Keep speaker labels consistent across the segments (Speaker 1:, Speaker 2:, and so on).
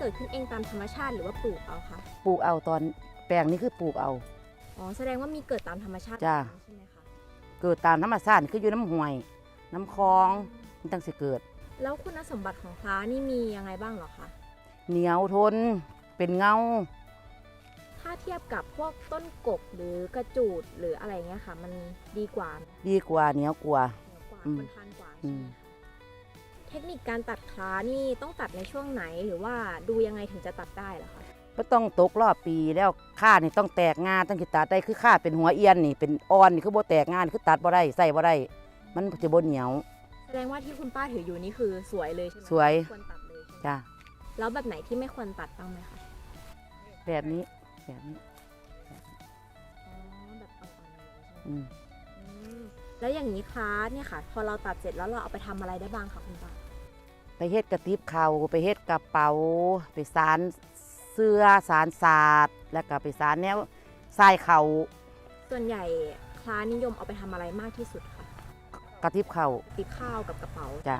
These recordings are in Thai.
Speaker 1: กิดขึ้นเองตามธรรมชาติหรือว่าปลูกเอาคะ
Speaker 2: ปลูกเอาตอนแปลงนี้คือปลูกเอา
Speaker 1: อ๋อแสดงว่ามีเกิดตามธรรมชาติ
Speaker 2: จ้ะ
Speaker 1: ใช่ไหมคะ
Speaker 2: เกิดตามธรรมชาติคืออยู่น้ำห้วยน้ำคลองมันตั้งสิเกิด
Speaker 1: แล้วคุณสมบัติของคล้านี่มียังไงบ้างเหรอคะ
Speaker 2: เหนียวทนเป็นเงา
Speaker 1: ถ้าเทียบกับพวกต้นกกหรือกระจูดหรืออะไรเงี้ยค่ะ มันดีกว่า
Speaker 2: ดีกว่าเหนียวกว่า
Speaker 1: เหนือกว่า
Speaker 2: อืม
Speaker 1: ทนทานกว่า
Speaker 2: อื
Speaker 1: ใช่ไห
Speaker 2: ม
Speaker 1: มคะเทคนิคการตัดคล้านี่ต้องตัดในช่วงไหนหรือว่าดูยังไงถึงจะตัดได้เหรอคะ
Speaker 2: ก็ต้องตกรอบปีแล้วข้านี่ต้องแตกงาต้องสิตัดได้คือข้าเป็นหัวเอียนนี่เป็นอ่อนนี่คือบ่แตกงานี่คือตัดบ่ได้ใส่บ่ได้มันจะบ่เหนียว
Speaker 1: แสดงว่าที่คุณป้าถืออยู่นี่คือสวยเลยใช่ไหม
Speaker 2: สวย
Speaker 1: ควรตัดเลยใช่ไหม
Speaker 2: จ้ะ
Speaker 1: แล้วแบบไหนที่ไม่ควรตัดบ้างไหมคะ
Speaker 2: แบบนี้แบบนี้
Speaker 1: อ๋อแบบอ่อนๆเลยใช่ไหม
Speaker 2: อืม
Speaker 1: อืมแล้วอย่างนี้คล้าเนี่ยค่ะ พอเราตัดเสร็จแล้วเราเอาไปทำอะไรได้บ้างคะคุณป้า
Speaker 2: ไปเฮ็ดกระติบเข่าไปเฮ็ดกระเป๋าไปสารเสื้อสารสาดแล้วก็ไปสารแนวทรายเข่า
Speaker 1: ส่วนใหญ่คล้านิยมเอาไปทำอะไรมากที่สุดคะ
Speaker 2: กระติบเข่า
Speaker 1: ติดข้าวกับกระเป๋า
Speaker 2: จ้ะ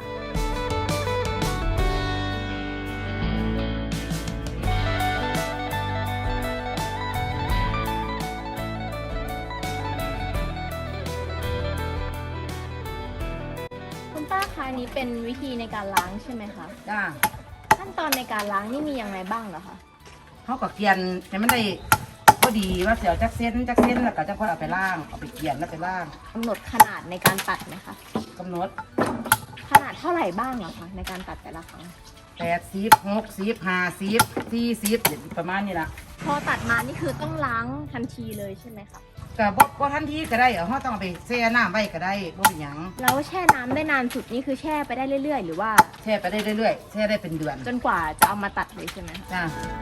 Speaker 1: คุณป้าคะอันนี้เป็นวิธีในการล้างใช่ไหมคะ
Speaker 2: จ้า
Speaker 1: ขั้นตอนในการล้างนี่มียังไงบ้างเหรอคะ
Speaker 2: เขาก็เกลียนให้มันได้พอดีว่าเสียวจักเส้นแล้วก็จังค่อยเอาไปล่างเอาไปเกลียนแล้วไปล่าง
Speaker 1: กำหนดขนาดในการตัดไหมคะ
Speaker 2: กำหนด
Speaker 1: ขนาดเท่าไหร่บ้างเหรอคะในการตัดแต่ละครั้ง
Speaker 2: 80 60 50 40ประมาณนี้ล่ะ
Speaker 1: พอตัดมานี่คือต้องล้างทันทีเลยใช่ไหมคะ
Speaker 2: ก็บ่ทันทีก็ได้เอาเราต้องเอาไปแช่น้ำไว้ก็ได้บ่เป็นหยัง
Speaker 1: แล้วแช่น้ำได้นานสุดนี่คือแช่ไปได้เรื่อยๆ หรือว่า
Speaker 2: แช่ไปได้เรื่อยๆแช่ได้เป็นเดือน
Speaker 1: จนกว่าจะเอามาตัดเลยใช่ไหมคะ
Speaker 2: จ้า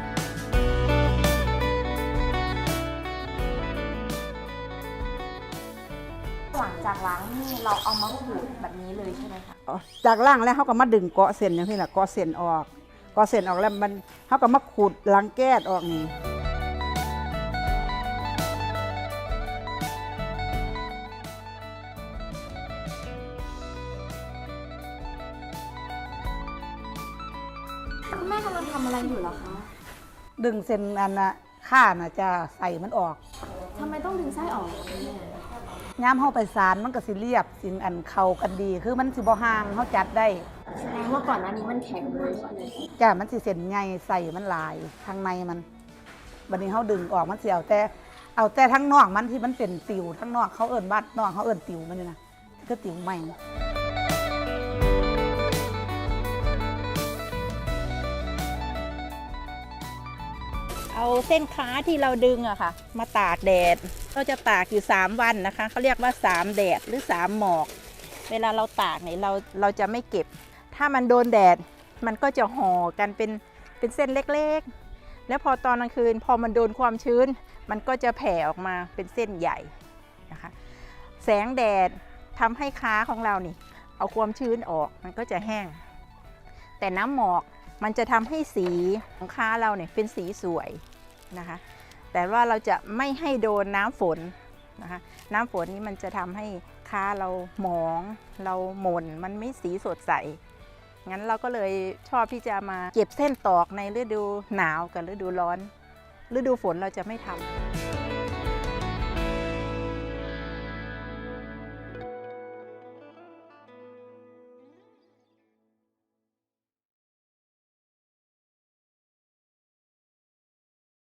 Speaker 1: หลังจากล้างนี่เราเอามาขูดแบบนี้เลยใช่ไหมคะ
Speaker 3: จากล่างแล้วเขาก็มาดึงเกาะเส้นอย่างนี้แหละเกาะเส้นออกเกาะเส้นออกแล้วมันเขาก็มาขูดหลังแก้ดออกนี่
Speaker 1: คุณแม่กำลังทำอะไรอยู่เหรอคะ
Speaker 3: ดึงเส้นอันน่ะข้าน่ะจะใส่มันออก
Speaker 1: ทำไมต้องดึงไส้ออกคะแม่
Speaker 3: ย้ำเข้าไปสารมันก็สิเรียบสินอันเข้ากันดี คือมันสิบ่ห่างเขาจัดได้
Speaker 1: แสดงว่าก่อนหน้านี้มันแข็งเลยใช่ไหม
Speaker 3: จ้ามันสิเส้นใหญ่ใส่มันหลายทางในมันบัดนี้เขาดึงออกมันสิเอาแต่ทั้งนอกมันที่มันเป็นติวทั้งนอกเขาเอิ้นบัดนอกเขาเอิ้นติวมันนี่นะก็ติวใหม่
Speaker 4: เอาเส้นค้าที่เราดึงอะค่ะ มาตากแดดเราจะตากอยู่3 วันนะคะเขาเรียกว่า3 แดดหรือ3 หมอก เวลาเราตากเนี่ยเราจะไม่เก็บ ถ้ามันโดนแดดมันก็จะห่อกันเป็นเส้นเล็กๆ แล้วพอตอนกลางคืนพอมันโดนความชื้น มันก็จะแผ่ออกมาเป็นเส้นใหญ่นะคะแสงแดดทำให้ค้าของเรานี่เอาความชื้นออกมันก็จะแห้ง แต่น้ำหมอกมันจะทำให้สีของค้าเราเนี่ยเป็นสีสวยนะคะแต่ว่าเราจะไม่ให้โดนน้ำฝนนะคะน้ำฝนนี้มันจะทำให้ค้าเราหมองเราหม่นมันไม่สีสดใสงั้นเราก็เลยชอบที่จะมาเก็บเส้นตอกในฤดูหนาวกับฤดูร้อนฤดูฝนเราจะไม่ทำ